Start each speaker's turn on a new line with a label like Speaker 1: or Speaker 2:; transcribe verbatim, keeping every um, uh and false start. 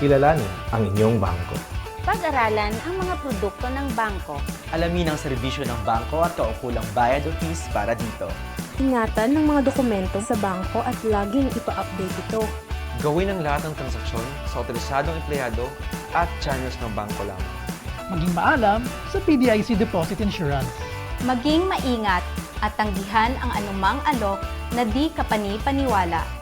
Speaker 1: Kilalanin ang inyong bangko.
Speaker 2: Pag-aralan ang mga produkto ng bangko.
Speaker 3: Alamin ang serbisyo ng bangko at kaukulang bayad o fees para dito.
Speaker 4: Ingatan ng mga dokumento sa bangko at laging ipa-update ito.
Speaker 5: Gawin ang lahat ng transaksyon sa otorisadong empleyado at channels ng bangko lamang.
Speaker 6: Maging maalam sa P D I C Deposit Insurance.
Speaker 2: Maging maingat at tanggihan ang anumang alok na di kapani-paniwala.